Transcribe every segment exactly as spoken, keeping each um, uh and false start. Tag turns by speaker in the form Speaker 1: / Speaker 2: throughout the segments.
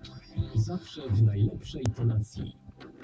Speaker 1: Zawsze w najlepszej tonacji.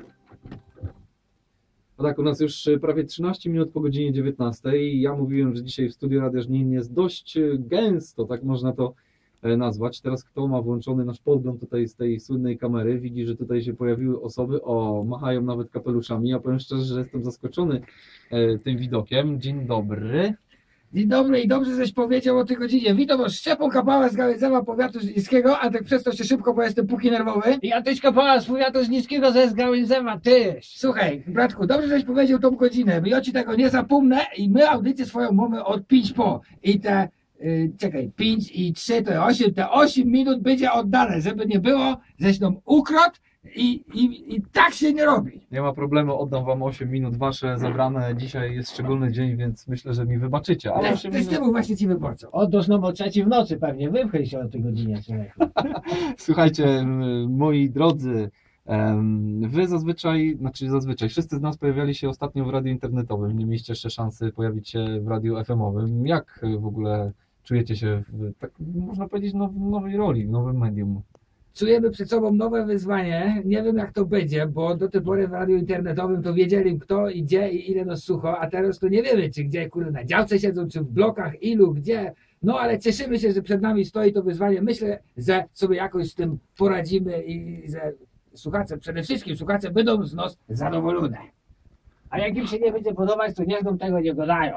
Speaker 2: No tak, u nas już prawie trzynaście minut po godzinie dziewiętnastej. Ja mówiłem, że dzisiaj w studiu Radia Żnin jest dość gęsto, tak można to nazwać. Teraz kto ma włączony nasz podgląd tutaj z tej słynnej kamery, widzi, że tutaj się pojawiły osoby, o, machają nawet kapeluszami. Ja powiem szczerze, że jestem zaskoczony tym widokiem. Dzień dobry.
Speaker 3: Dzień dobry i dobrze, żeś powiedział o tej godzinie. Witam was, Szczepon Kapała z Gałęzewa Powiatu Żnińskiego, a tak przez to się szybko, bo jestem póki nerwowy.
Speaker 4: Ja też Kapała z Powiatu Żnińskiego ze Gałęzewa, też.
Speaker 3: Słuchaj, bratku, dobrze, żeś powiedział tą godzinę, bo ja ci tego nie zapomnę i my audycję swoją mamy od pięć po. I te, yy, czekaj, pięć i trzy to osiem, te osiem minut będzie oddane, żeby nie było, żeś nam ukradł i, i, i tak się nie robi.
Speaker 2: Nie ma problemu, oddam wam osiem minut wasze zabrane. Dzisiaj jest szczególny dzień, więc myślę, że mi wybaczycie. Ale
Speaker 3: Ale
Speaker 2: osiem
Speaker 3: ty z
Speaker 2: minut...
Speaker 3: tyłu właśnie ci wyborcą.
Speaker 4: Otóż no bo trzeci w nocy pewnie, wypchnij się o tej godzinie, człowieku.
Speaker 2: Słuchajcie, m, moi drodzy, em, wy zazwyczaj, znaczy zazwyczaj, wszyscy z nas pojawiali się ostatnio w radiu internetowym, nie mieliście jeszcze szansy pojawić się w radiu F M-owym. Jak w ogóle czujecie się w, tak można powiedzieć, now, w nowej roli, w nowym medium?
Speaker 3: Czujemy przed sobą nowe wyzwanie. Nie wiem jak to będzie, bo do tej pory w radiu internetowym to wiedzieli kto i gdzie i ile nas słucha, a teraz to nie wiemy, czy gdzie kurde na działce siedzą, czy w blokach, ilu, gdzie. No ale cieszymy się, że przed nami stoi to wyzwanie. Myślę, że sobie jakoś z tym poradzimy i że słuchacze, przede wszystkim słuchacze będą z nas zadowolone.
Speaker 4: A jak im się nie będzie podobać, to niech nam tego nie gadają.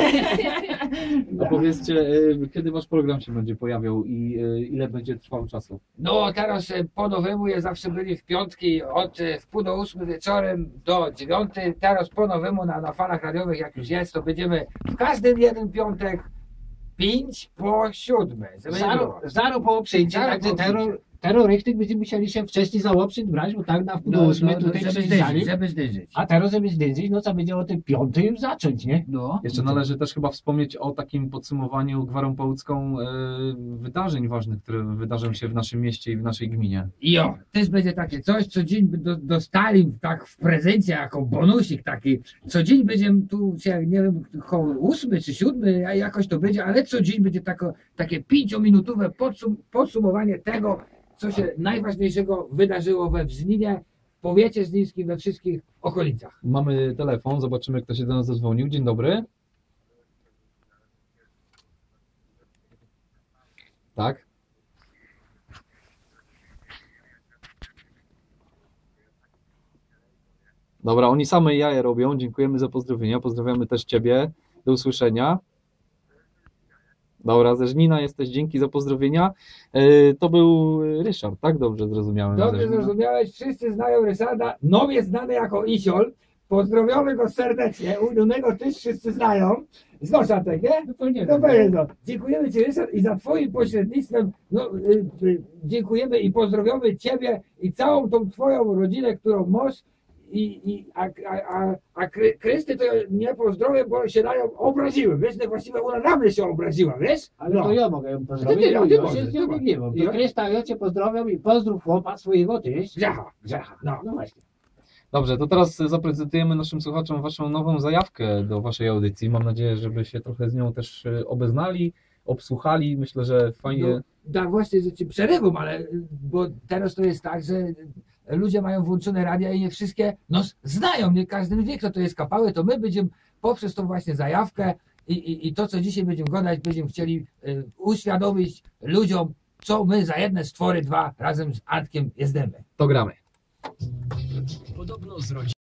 Speaker 2: A powiedzcie, y, kiedy wasz program się będzie pojawiał i y, ile będzie trwał czasu?
Speaker 3: No teraz e, po nowemu je zawsze byli w piątki od e, w pół do ósmy wieczorem do dziewiątej. Teraz po nowemu na, na falach radiowych jak już jest, to będziemy w każdy jeden piątek pięć po siódmej. Żeby nie
Speaker 4: Zaro,
Speaker 3: było.
Speaker 4: zaro po przyjęciu,
Speaker 3: Zaro
Speaker 4: także
Speaker 3: po
Speaker 4: terror, terrorystyk będziemy musieli się wcześniej za łopsyt brać, bo tak na wpół do ósmej tutaj
Speaker 3: żeby
Speaker 4: przyjeżdżali.
Speaker 3: zdyżyć, żeby zdyżyć.
Speaker 4: A teraz żeby zdjęć, no co będzie o tej piątej już zacząć, nie?
Speaker 3: No.
Speaker 2: Jeszcze należy też chyba wspomnieć o takim podsumowaniu gwarą połódzką y, wydarzeń ważnych, które wydarzą się w naszym mieście i w naszej gminie.
Speaker 3: I o, też będzie takie coś, co dzień by do, dostali tak w prezencie jako bonusik taki. Co dzień będziemy tu się, nie wiem, koło ósmy czy siódmy, a jakoś to będzie, ale co dzień będzie tako, takie pięciominutowe podsum podsumowanie tego, co się najważniejszego wydarzyło we Żninie, w powiecie żnińskim, we wszystkich okolicach.
Speaker 2: Mamy telefon, zobaczymy kto się do nas zadzwonił. Dzień dobry. Tak? Dobra, oni same jaja robią. Dziękujemy za pozdrowienia. Pozdrawiamy też ciebie. Do usłyszenia. Dobra, ze Żnina jesteś, dzięki za pozdrowienia. Yy, to był Ryszard, tak? Dobrze zrozumiałem.
Speaker 3: Dobrze zrozumiałeś, wszyscy znają Ryszarda, no jest znany jako Isiol. Pozdrowiamy go serdecznie, ulubionego też wszyscy znają. Znasz Antek, nie?
Speaker 4: No to nie
Speaker 3: No
Speaker 4: wiem.
Speaker 3: pewnie, no. Dziękujemy Ci Ryszard i za Twoim pośrednictwem no, y, y, dziękujemy i pozdrawiamy Ciebie i całą tą Twoją rodzinę, którą masz. I, i, a, a, a, a Kry- Krysty to nie pozdrowię, bo się na nią obraziłem, wiesz, no właściwie ona na mnie się obraziła, wiesz?
Speaker 4: Ale
Speaker 3: No.
Speaker 4: to ja mogę ją pozdrowić,
Speaker 3: To ty,
Speaker 4: bo
Speaker 3: ty
Speaker 4: ja
Speaker 3: możesz,
Speaker 4: się
Speaker 3: ty
Speaker 4: z nią
Speaker 3: możesz.
Speaker 4: nie mam.
Speaker 3: Ja?
Speaker 4: To Krysta, ja Cię pozdrawiam i pozdrów chłopa swojego też.
Speaker 3: Grzecha, grzecha, no.
Speaker 4: No właśnie.
Speaker 2: Dobrze, to teraz zaprezentujemy naszym słuchaczom waszą nową zajawkę do waszej audycji. Mam nadzieję, żeby się trochę z nią też obeznali, obsłuchali. Myślę, że fajnie...
Speaker 3: No, tak właśnie, że Ci przerywam, ale bo teraz to jest tak, że ludzie mają włączone radia i nie wszystkie no, znają, nie każdy wie, kto to jest Kapały, to my będziemy poprzez tą właśnie zajawkę i, i, i to, co dzisiaj będziemy gadać, będziemy chcieli y, uświadomić ludziom, co my za jedne stwory dwa razem z Antkiem jezdemy.
Speaker 2: To gramy.
Speaker 1: Podobno z rodziny.